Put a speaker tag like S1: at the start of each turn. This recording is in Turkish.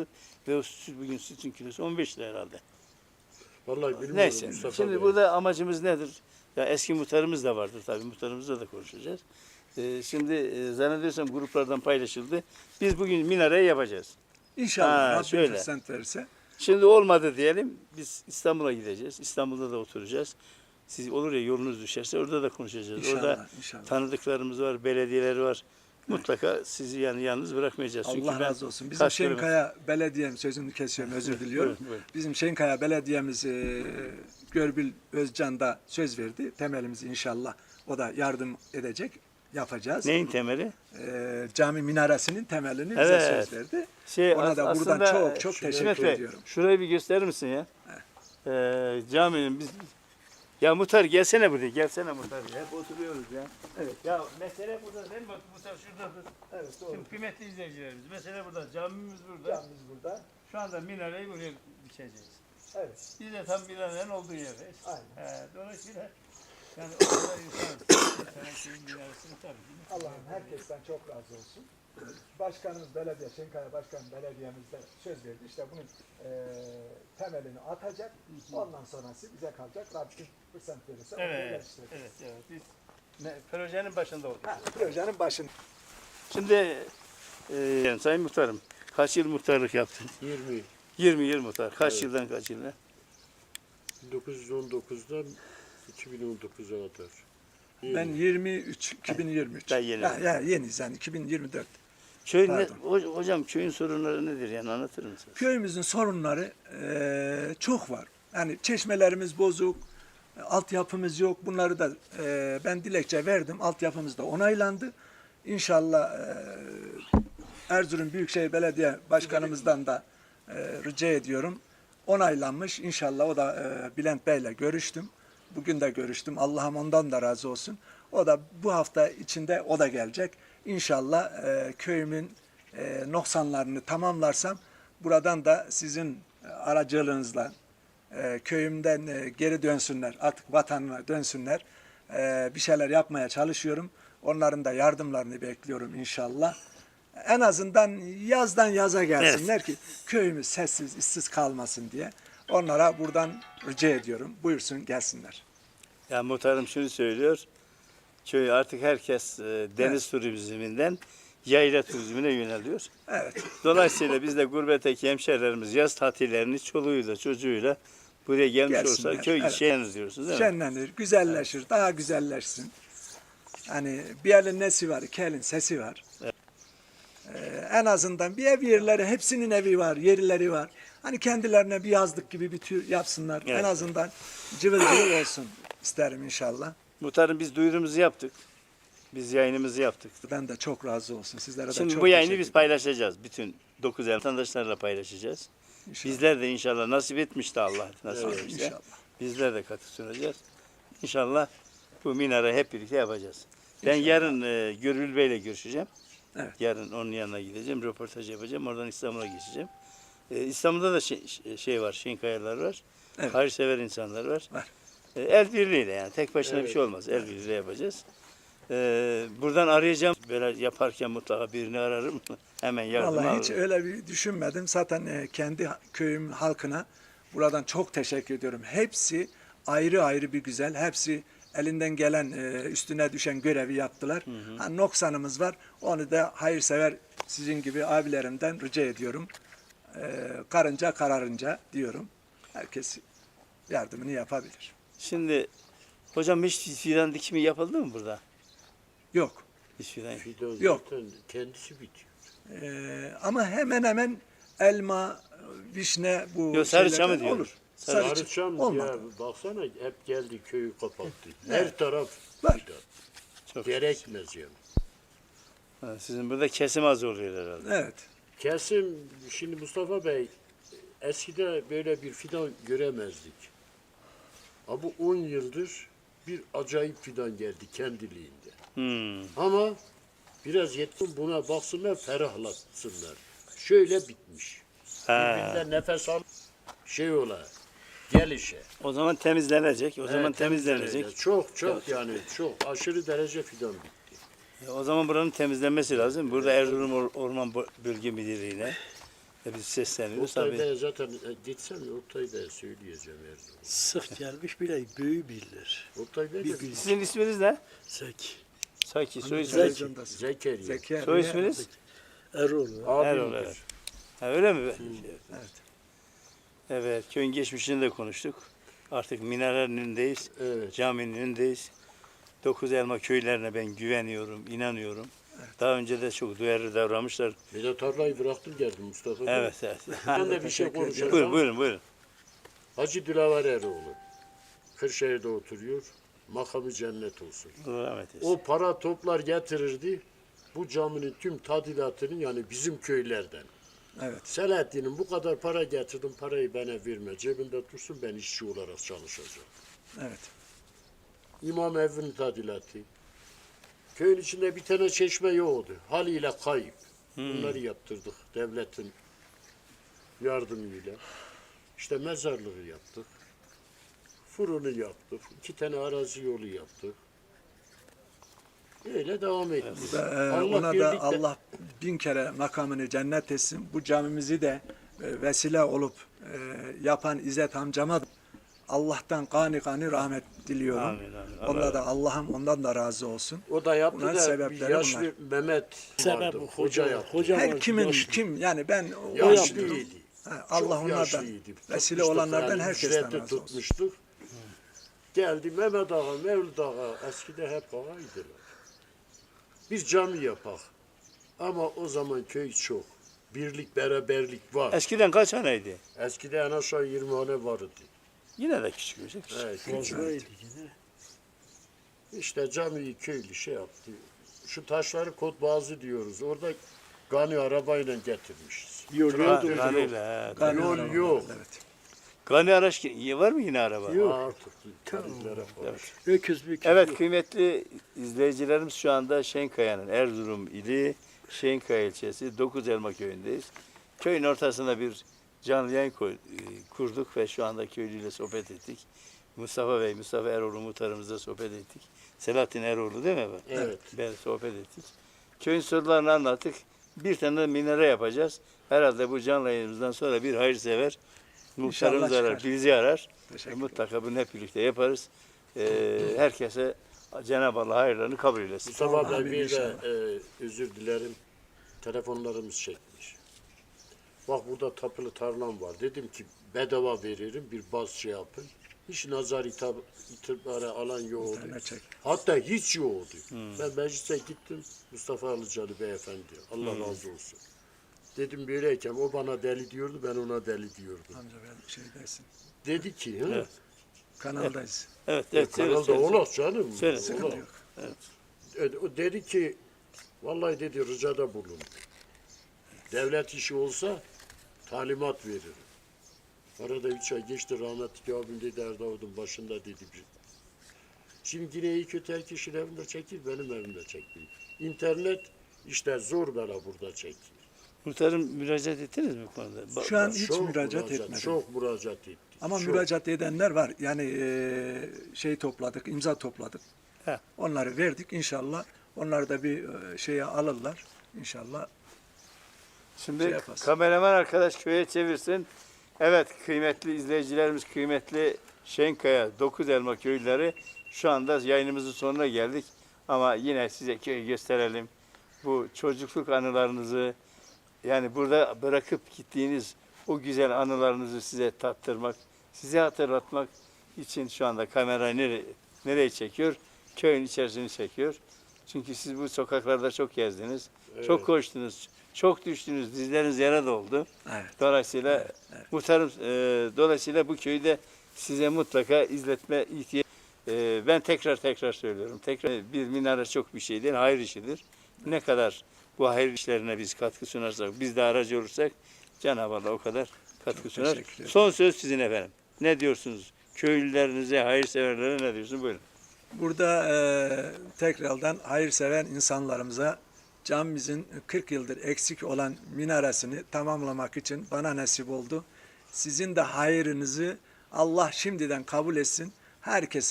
S1: aldı ve o süt, bugün sütün kilosu 15 lira herhalde.
S2: Vallahi bilmiyorum
S1: Neyse.
S2: Mustafa
S1: Şimdi
S2: Bey.
S1: burada amacımız nedir? Ya eski muhtarımız da vardır tabii. Muhtarımızla da konuşacağız. Şimdi zannediyorsam gruplardan paylaşıldı. Biz bugün minareyi yapacağız.
S3: İnşallah Rabbim
S1: şöyle.
S3: fırsat verirse.
S1: Şimdi olmadı diyelim. Biz İstanbul'a gideceğiz. İstanbul'da da oturacağız. Siz olur ya yolunuz düşerse orada da konuşacağız.
S3: İnşallah,
S1: Orada
S3: inşallah.
S1: tanıdıklarımız var, belediyeler var. Mutlaka sizi yani yalnız bırakmayacağız. Çünkü
S3: Allah
S1: ben
S3: razı olsun. Bizim
S1: kaç kilometre-
S3: Şenkaya Belediye'miz, sözünü kesiyorum, özür diliyorum.
S1: Buyurun, buyurun.
S3: Bizim Şenkaya Belediye'miz Görbil Özcan da söz verdi. Temelimizi inşallah o da yardım edecek, yapacağız.
S1: Neyin temeli?
S3: Cami minaresinin temelini bize
S1: Evet.
S3: söz verdi.
S1: Ona
S3: Ona da buradan çok çok
S1: İsmet
S3: teşekkür
S1: Bey,
S3: ediyorum.
S1: şurayı bir gösterir misin ya? Caminin biz... Ya Muhtar gelsene buraya, gelsene Muhtar. Hep oturuyoruz ya.
S3: Evet.
S1: Ya mesele burada değil mi? Bak Muhtar şuradadır.
S3: Evet, doğru.
S1: Şimdi kıymetli izleyicilerimiz, mesele burada, camimiz burada.
S3: Camimiz burada.
S1: Şu anda minareyi buraya biçeceğiz.
S3: Evet.
S1: Biz de tam minarenin olduğu yerdeyiz.
S3: Aynen.
S1: Dolayısıyla yani o kadar insan şeyin minaresini tabii ki.
S3: Allah'ım herkesten çok razı olsun. Başkanımız belediye, Şenkaya Başkan Belediye'miz de söz verdi. İşte bunun temelini atacak. Ondan sonrası bize kalacak. Rabbim fırsat verirse onu
S1: Evet,
S3: geliştireceğiz.
S1: evet. Biz projenin başında olduk.
S3: Projenin başında.
S1: Şimdi Sayın Muhtarım, kaç yıl muhtarlık yaptın?
S2: 20.
S1: 20 yıl muhtar. Kaç
S2: Evet.
S1: yıldan kaç yıla?
S2: 1919'dan 2019'a kadar.
S3: Ben 23, 2023.
S1: Daha yeni.
S3: Ya yeniyiz yani 2024.
S1: Köy
S3: Pardon.
S1: hocam köyün sorunları nedir yani anlatır mısınız?
S3: Köyümüzün sorunları çok var. Yani çeşmelerimiz bozuk, altyapımız yok. Bunları da ben dilekçe verdim. Altyapımız da onaylandı. İnşallah Erzurum Büyükşehir Belediye Başkanımızdan da rica ediyorum. Onaylanmış. İnşallah o da Bülent Bey'le görüştüm. Bugün de görüştüm. Allah'ım ondan da razı olsun. O da bu hafta içinde o da gelecek. İnşallah köyümün noksanlarını tamamlarsam buradan da sizin aracılığınızla köyümden geri dönsünler. Artık vatanına dönsünler. Bir şeyler yapmaya çalışıyorum. Onların da yardımlarını bekliyorum inşallah. En azından yazdan yaza gelsinler ki köyümüz sessiz, işsiz kalmasın diye. Onlara buradan rica ediyorum. Buyursun gelsinler.
S1: Ya muhtarım şunu söylüyor. Köy artık herkes deniz turizminden yayla turizmine yöneliyor.
S3: Evet.
S1: Dolayısıyla biz de gurbetteki hemşehrilerimiz yaz tatillerini çoluğuyla çocuğuyla buraya gelmiş
S3: Gelsinler,
S1: olsa köy
S3: evet.
S1: şenlenir diyorsunuz değil mi?
S3: Şenlenir, güzelleşir, daha güzelleşsin. Hani bir elin nesi var, iki elin sesi var. En azından bir ev yerleri, hepsinin evi var, yerleri var. Hani kendilerine bir yazlık gibi bir tür yapsınlar.
S1: Evet.
S3: En azından cıvıl cıvıl olsun isterim inşallah.
S1: Muhtarım biz duyurumuzu yaptık. Biz yayınımızı yaptık.
S3: Ben de çok razı olsun. Sizlere de
S1: Şimdi
S3: çok
S1: bu yayını
S3: teşekkür
S1: biz
S3: ederim.
S1: paylaşacağız. Bütün 9 el vatandaşlarla paylaşacağız.
S3: İnşallah.
S1: Bizler de inşallah nasip etmiş de Allah nasip
S2: Evet,
S1: etmişse.
S3: İnşallah.
S1: Bizler de katı sunacağız. İnşallah bu minare hep birlikte yapacağız. Ben yarın Görül Bey'le görüşeceğim.
S3: Evet.
S1: Yarın onun yanına gideceğim, röportaj yapacağım. Oradan İstanbul'a geçeceğim. İstanbul'da da şey var, Şenkayalar var.
S3: Evet.
S1: Hayırsever insanlar var.
S3: Var.
S1: El birliğiyle yani tek başına bir
S2: Evet.
S1: şey olmaz. El birliğiyle yapacağız. Buradan arayacağım. Böyle yaparken mutlaka birini ararım. Hemen yardım
S3: Vallahi
S1: alırım.
S3: hiç öyle bir düşünmedim. Zaten kendi köyüm halkına buradan çok teşekkür ediyorum. Hepsi ayrı ayrı bir güzel. Hepsi elinden gelen üstüne düşen görevi yaptılar. Ha, noksanımız var. Onu da hayırsever sizin gibi abilerimden rica ediyorum. Karınca kararınca diyorum. Herkes yardımını yapabilir.
S1: Şimdi hocam hiç fidan dikimi yapıldı mı burada?
S3: Yok.
S1: Hiç fidan.
S2: Fidan
S3: Yok.
S2: zaten kendisi bitiyor.
S3: Ama hemen hemen elma, vişne bu
S1: Yok, sarıçam
S3: şeylerden
S1: mı diyorum?
S3: olur.
S1: Sarıçam.
S2: Sarıçam
S3: olmadı.
S2: ya baksana hep geldi köyü kapattı. Her taraf
S3: Var.
S2: fidan.
S1: Çok
S2: Gerekmez yani.
S1: Ha, sizin burada kesim az oluyor herhalde.
S3: Evet.
S2: Kesim şimdi Mustafa Bey eskide böyle bir fidan göremezdik. Ama bu 10 yıldır bir acayip fidan geldi kendiliğinde. Ama biraz yetkin buna baksınlar, ferahlatsınlar. Şöyle bitmiş. Birbirinden nefes al, şey ola, gelişe.
S1: O zaman temizlenecek. O zaman
S2: Evet,
S1: temizlenecek.
S2: Çok yani çok aşırı derece fidan bitti.
S1: O zaman buranın temizlenmesi lazım. Burada Erzurum Orman Bölge Müdürlüğü'ne Biz sesleniyoruz
S2: Oktay
S1: tabii.
S2: Bey'e zaten gitsem Oktay Bey'e söyleyeceğim her zaman.
S4: Sık gelmiş bile büyü bilir.
S2: Oktay Bey de
S4: gün-
S1: Sizin isminiz ne?
S4: Zeki.
S1: Saki, soy isminiz?
S3: Televizyondasın.
S2: Zekeriya.
S3: Zekeriya.
S1: Soy isminiz?
S4: Erol.
S1: Erol,
S2: Abimdir.
S1: evet. Ha, öyle mi?
S3: Evet.
S1: Evet, köyün geçmişini de konuştuk. Artık minarenin önündeyiz,
S2: Evet.
S1: caminin önündeyiz. Dokuz Elma köylerine ben güveniyorum, inanıyorum. Daha önce de çok duyarlı davranmışlar.
S2: Bir de tarlayı bıraktım geldim Mustafa Bey.
S1: Evet, evet.
S2: Ben de bir şey
S3: Teşekkür
S2: konuşacağım.
S1: Buyurun, buyurun, buyurun.
S2: Hacı Dilaver Eroğlu. Kırşehir'de oturuyor. Makamı cennet olsun.
S1: Allah rahmet eylesin.
S2: O para toplar getirirdi. Bu caminin tüm tadilatını yani bizim köylerden.
S3: Evet.
S2: Selahattin'in bu kadar para getirdim, parayı bana verme. Cebinde dursun, ben işçi olarak çalışacağım.
S3: Evet.
S2: İmam evinin tadilatı. Köyün içinde bir tane çeşme yoktu. Haliyle kayıp. Bunları yaptırdık devletin yardımıyla. İşte mezarlığı yaptık. Fırını yaptık. 2 tane arazi yolu yaptık. Öyle devam ettik.
S3: Ona da
S2: birlikte-
S3: Allah bin kere makamını cennet etsin. Bu camimizi de vesile olup yapan İzzet amcama da Allah'tan gani rahmet diliyorum.
S1: Amin, amin. Allah
S3: Onda da Allah'ım ondan da razı olsun.
S2: O da yaptı
S3: Bunların
S2: da bir
S3: sebepleri
S2: yaşlı Mehmet
S4: Sebep
S2: vardı.
S4: bu
S2: Hoca yaptı.
S4: Hoca
S3: Her
S4: var,
S3: kimin
S4: yaşlı.
S3: kim yani ben o
S2: Yaşlıydı.
S3: Allah
S2: Çok
S3: onlardan
S2: yaşlıydı.
S3: vesile
S2: Tutmuştuk
S3: olanlardan
S2: yani,
S3: herkesten
S2: ücretli
S3: razı olsun.
S2: tutmuştuk. Geldi Mehmet Ağa, Mevlüt Ağa, eskide hep ağaydılar. Bir cami yapak. Ama o zaman köy çok. Birlik, beraberlik var.
S1: Eskiden kaç haneydi?
S2: Eskide en aşağı 20 hane vardı.
S1: Yine de küçük bir şey.
S2: Evet, küçük.
S4: Bozmaydı yine.
S2: İşte camiyi köylü şey yaptı. Şu taşları Kotbazı diyoruz. Orada Gani arabayla getirmişiz.
S4: Yol
S2: Traktör
S4: yok.
S2: yok.
S1: Kanıyla, he.
S3: Gani
S2: Yol
S3: arabalar,
S2: yok.
S3: Evet.
S1: Gani araç var mı yine araba?
S2: Artık tarihlere var.
S4: Öküz bir
S1: Evet, kıymetli izleyicilerimiz, şu anda Şenkaya'nın Erzurum ili Şenkaya ilçesi Dokuzelma köyündeyiz. Köyün ortasında bir canlı yayın kurduk ve şu anda köylüyle sohbet ettik. Mustafa Bey, Mustafa Eroğlu muhtarımızla sohbet ettik. Selahattin Eroğlu değil mi?
S2: Evet.
S1: Ben sohbet ettik. Köyün sorunlarını anlattık. Bir tane de minare yapacağız. Herhalde bu canlı yayınımızdan sonra bir hayırsever muhtarımız
S3: İnşallah
S1: arar,
S3: çıkar.
S1: bizi arar.
S3: Teşekkür
S1: Mutlaka bunu hep birlikte yaparız. Herkese Cenab-ı Allah hayırlarını kabul eylesin.
S2: Mustafa
S3: Amin
S2: Bey bir de
S3: inşallah.
S2: özür dilerim. Telefonlarımız çekmiş. Bak burada tapılı tarlam var. Dedim ki bedava veririm bir baz şey yapın. Hiç nazar itibarı alan yoktu.
S3: tane çek.
S2: Hatta hiç yoktu. Ben meclise gittim. Mustafa Alıcalı beyefendi. Allah razı olsun. Dedim böyleyken o bana deli diyordu, ben ona deli diyordum.
S3: Amca ben şey dersin.
S2: Dedi ki, hı?
S1: Evet.
S3: Kanaldayız.
S1: Evet, evet.
S2: Kanalda
S1: söyle.
S2: olur canım.
S1: Söyle.
S2: olur.
S3: Sıkıntı yok.
S2: O dedi ki, vallahi dedi ricada bulun. Devlet işi olsa talimat veririm. Arada 3 ay geçti, rahmetli abim dedi Erdavud'un başında dedi bir. Şimdi yine iyi kötü her kişinin evinde çekir, benim evimde çekir. İnternet işte zor bela burada çekir.
S1: Muhtarım müracaat ettiniz mi bu konuda?
S3: Şu an hiç
S2: Çok
S3: müracaat etmedim.
S2: Çok müracaat etti.
S3: Ama
S2: çok.
S3: müracaat edenler var. Yani şey topladık, imza topladık.
S1: He.
S3: Onları verdik inşallah. Onlar da bir şeye alırlar. İnşallah.
S1: Şimdi
S3: şey yaparsın.
S1: kameraman arkadaş köye çevirsin. Evet, kıymetli izleyicilerimiz, kıymetli Şenkaya, Dokuzelma köylüleri, şu anda yayınımızın sonuna geldik. Ama yine size köyü gösterelim. Bu çocukluk anılarınızı, yani burada bırakıp gittiğiniz o güzel anılarınızı size tattırmak, size hatırlatmak için şu anda kamerayı nereye çekiyor? Köyün içerisini çekiyor. Çünkü siz bu sokaklarda çok gezdiniz, çok koştunuz, çok düştünüz, dizleriniz yara doldu.
S3: Evet.
S1: Dolayısıyla muhtarım, dolayısıyla bu köyü de size mutlaka izletme ihtiyacı. Ben tekrar söylüyorum. Tekrar bir minare çok bir şey değil, hayır işidir. Ne kadar bu hayır işlerine biz katkı sunarsak, biz de aracı olursak Cenab-ı Allah o kadar katkı sunar.
S3: teşekkür ederim.
S1: Son söz sizin efendim. Ne diyorsunuz? Köylülerinize, hayırseverlere ne diyorsunuz? Buyurun.
S3: Burada tekrardan hayırseven insanlarımıza camimizin 40 yıldır eksik olan minaresini tamamlamak için bana nasip oldu. Sizin de hayrınızı Allah şimdiden kabul etsin. Herkese